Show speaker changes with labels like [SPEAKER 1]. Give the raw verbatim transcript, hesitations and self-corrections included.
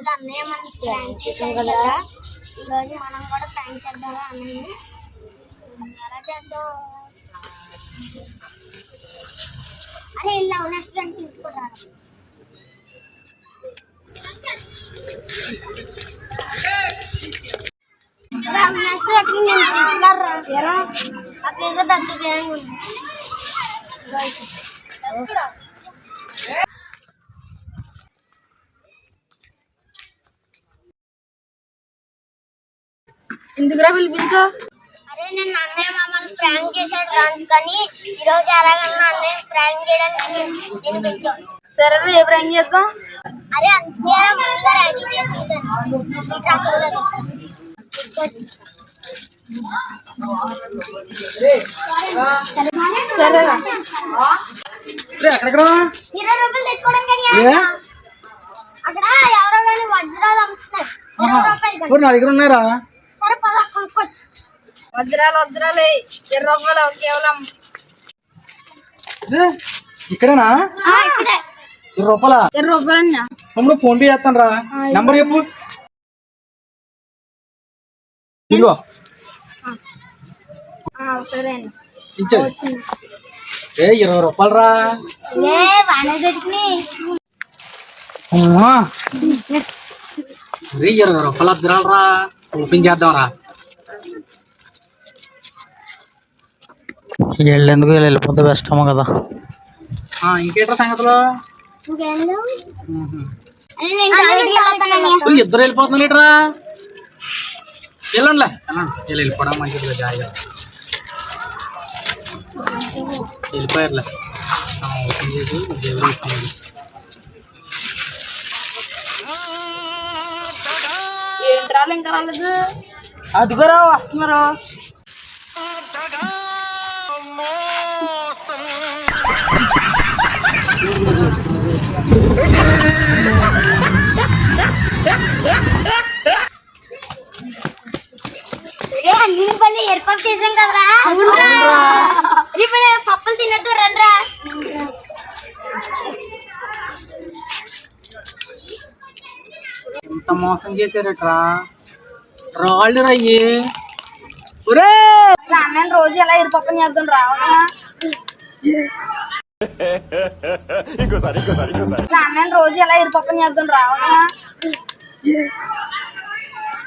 [SPEAKER 1] ఈరోజు అన్నయ్య మనకి ప్రాంక్ చేసాం కదా, ఈరోజు మనం కూడా ప్రాంక్ చేద్దామా అన్నయ్య. ఎలా చేద్దాం? అరే ఇలా నెక్స్ట్ దాన్ని తీసుకుంటాను. అట్లేదో దగ్గర
[SPEAKER 2] ఎందుకురా పిలిపించో?
[SPEAKER 1] అరే నేను అన్నయ్య మమ్మల్ని ప్రాంక్ చేశాడు రాజు, కానీ ఈరోజు ఎలాగన్నా అన్నయ్య ప్రాంక్ చేయడానికి నేను నేను పిలిచాను.
[SPEAKER 2] సరే ఏ ప్రాంక్ చేద్దాం?
[SPEAKER 1] అరే అంతే ముందుగా రెడీ చేసి ఉంచాను.
[SPEAKER 2] సరేరా
[SPEAKER 1] ఇరవై రూపాయలు తెచ్చుకోవడం కానీ అక్కడ ఎవరో కానీ వజ్రాలు అమ్ముతున్నారు. ఇరవై రూపాయలు
[SPEAKER 3] నా దగ్గర ఉన్నారా?
[SPEAKER 1] సరే పద కొనుక్కోవచ్చు.
[SPEAKER 2] వజ్రాలు వజ్రాలే ఇరవై రూపాయలు కేవలం.
[SPEAKER 3] ఇక్కడేనా?
[SPEAKER 1] ఇక్కడే
[SPEAKER 3] ఇరవై రూపాయల
[SPEAKER 2] ఇరవై రూపాయలు
[SPEAKER 3] తమ్ముడు ఫోన్ పే చేస్తాను రా. నెంబర్ చెప్పు. ఇదిగో
[SPEAKER 2] సరే
[SPEAKER 3] ఇచ్చాడు. ఏ ఇరవై రూపాయలు రా.
[SPEAKER 1] ఏ బాగానే దొరికినాయి.
[SPEAKER 3] ఇరవై రూపాయలు వజ్రాలు రా. ఓపెన్ చేద్దాం రా.
[SPEAKER 4] వెళ్ళేందుకు వెళ్ళిపోతే బెస్ట్ అమ్మ కదా.
[SPEAKER 3] ఇంకేంట్రా సంగతిలో? ఇద్దరు వెళ్ళిపోతున్నారు ఏంట్రా? వెళ్ళండిలే వెళ్ళండి. వీళ్ళు వెళ్ళిపోవడం మంచిది. జాయిగా వెళ్ళిపోయారులే. ఓపెన్ చేసి దేవుడు తీసుకున్నాడు.
[SPEAKER 2] ఏంట్రాలు ఇంకా రాలేదు?
[SPEAKER 3] అదిగోరా వస్తున్నారు.
[SPEAKER 1] అన్ని పళ్ళు ఏర్పాటు చేసాం కదరా. ఇప్పుడు పప్పులు తినద్దు రండ్రా.
[SPEAKER 3] ఎంత మోసం చేశారట్రా. రాళ్ళు రయ్యి.
[SPEAKER 2] అన్నయ్య రోజు ఎలా ఇరుపక్కన చేద్దాం రావాలా? అన్నయ్య రోజు ఎలా ఇరుపక్కన చేద్దాం రావాలా?